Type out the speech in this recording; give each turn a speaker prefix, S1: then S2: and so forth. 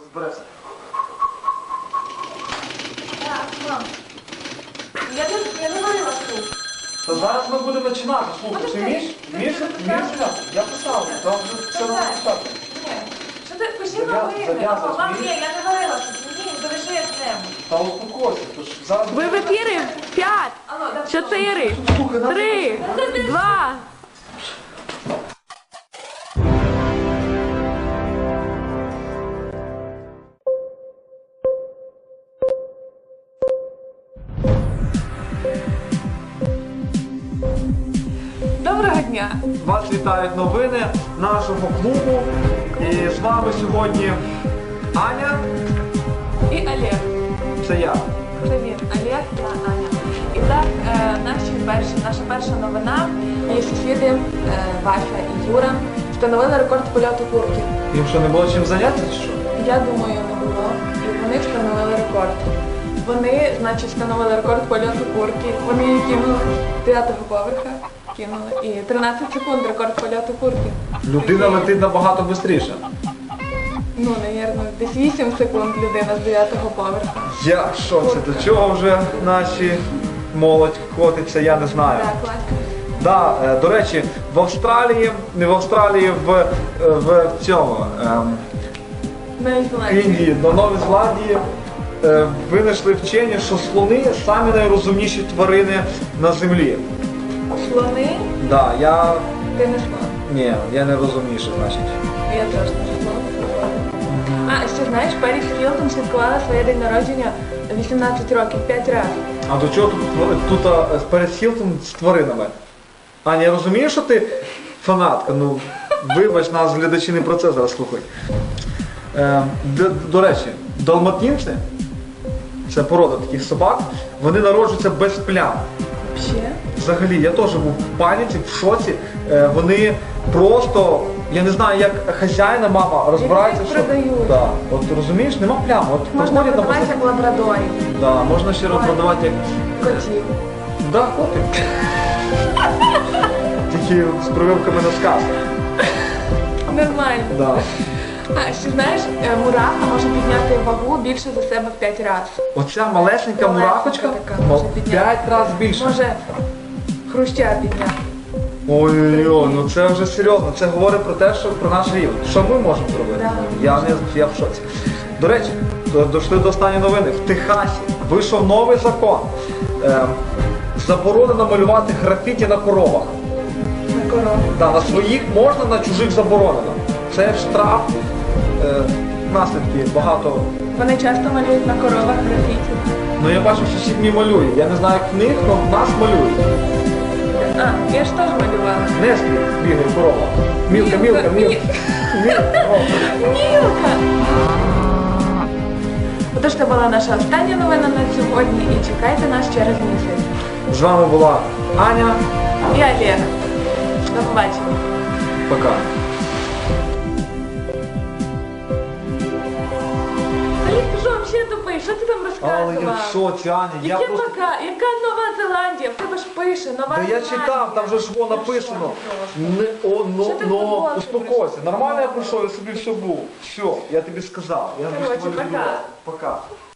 S1: Розберемося.
S2: Так, мам. Я не варила суп.
S1: Та зараз ми будемо починати. Слухай, ти вмієш? Вмієш? Я писав, там вже все написати.
S2: Ні. Що ти пиши новини? Мам, ні, я не варила суп. Ні, залиши як небудь.
S1: Та успокойся, то ж зараз...
S3: Ви в ефірі 5, 4, 3, 2. Доброго дня!
S1: Вас вітають новини нашого клубу. І з вами сьогодні Аня.
S3: І Олег.
S1: Це я.
S3: Привіт, Олег та Аня. І так, наша перша новина. Її сусіди Вася і Юра встановили рекорд польоту курки.
S1: Їм що, не було чим зайнятися чи що?
S3: Я думаю, не було. І вони встановили рекорд. Вони, значить, встановили рекорд польоту курки. Вони її кинули з 9-го поверха. Кинули. І 13 секунд рекорд польоту курки.
S1: Людина летить набагато швидше.
S3: Ну, навірно, десь 8 секунд людина з 9-го поверха.
S1: Я що це? До чого вже наші молодь котиться, я не знаю.
S3: Так, класно.
S1: Да, до речі, в Австралії, не в Австралії, в цьому,
S3: Новій Зеландії.
S1: Індії, на Новій Зеландії винайшли вчені, що слони самі найрозумніші тварини на землі.
S3: Слони?
S1: Да,
S3: Ти не слон.
S1: Ні, я не розумніший, значить.
S3: Я теж не слон. А, ще знаєш, Періс Хілтон святкувала своє день народження 18 років, 5 разів.
S1: А до чого тут перед Хілтон з тваринами? Аня, я розумію, що ти фанатка, ну вибач, нас глядачі не про це зараз слухають. До речі, далматинці, це порода таких собак, вони народжуються без плям.
S3: Ще?
S1: Взагалі, я теж був в паніці, в шоці. Вони просто, я не знаю, як хазяїна, мама розбирається,
S3: їх
S1: що...
S3: продають.
S1: Да. От розумієш, нема плям. От
S3: Можна
S1: проходять на
S3: продавати як лабрадорів,
S1: Да, можна ще продавати як...
S3: котів.
S1: Да, котик. Тільки з прививками на сказ.
S3: Нормально.
S1: Да.
S3: А, ще знаєш, мураха може підняти вагу більше за себе в 5 разів.
S1: Оця малесенька мурахочка
S3: така може підняти.
S1: 5 разів більше.
S3: Може хруща підняти.
S1: Ой-ой-ой, ну це вже серйозно. Це говорить про те, що про наш рівень. Що ми можемо зробити?
S3: Да.
S1: Я в шоці. До речі, дійшли до останньої новини. В Техасі вийшов новий закон. Заборонено малювати графіті на коровах.
S3: На корову.
S1: Да, на своїх можна, на чужих заборонено. Це штраф, наслідки багато.
S3: Вони часто малюють на коровах графіті.
S1: Ну я бачу, що всіх не малюють. Я не знаю, як в них, але в нас малюють.
S3: А, я ж теж малювала.
S1: Неслі бігає корова. Мілка. Мілка.
S3: Отож, це була наша остання новина на сьогодні і чекайте нас через місяць.
S1: З вами була Аня.
S3: І Олег. До побачення.
S1: Пока.
S3: Олег, ти що, взагалі тупий? Що ти там розказував?
S1: Але я в шоці, Аня.
S3: Яка яка Нова Зеландія? В тебе ж пише Нова
S1: Та я
S3: Зеландія.
S1: читав, там же ж воно написано.
S3: Що ти футбол
S1: Успокойся. Нормально я прийшов, я собі все був. Все, я тобі сказав. Я
S3: Короче,
S1: тобі
S3: пока.
S1: Пока.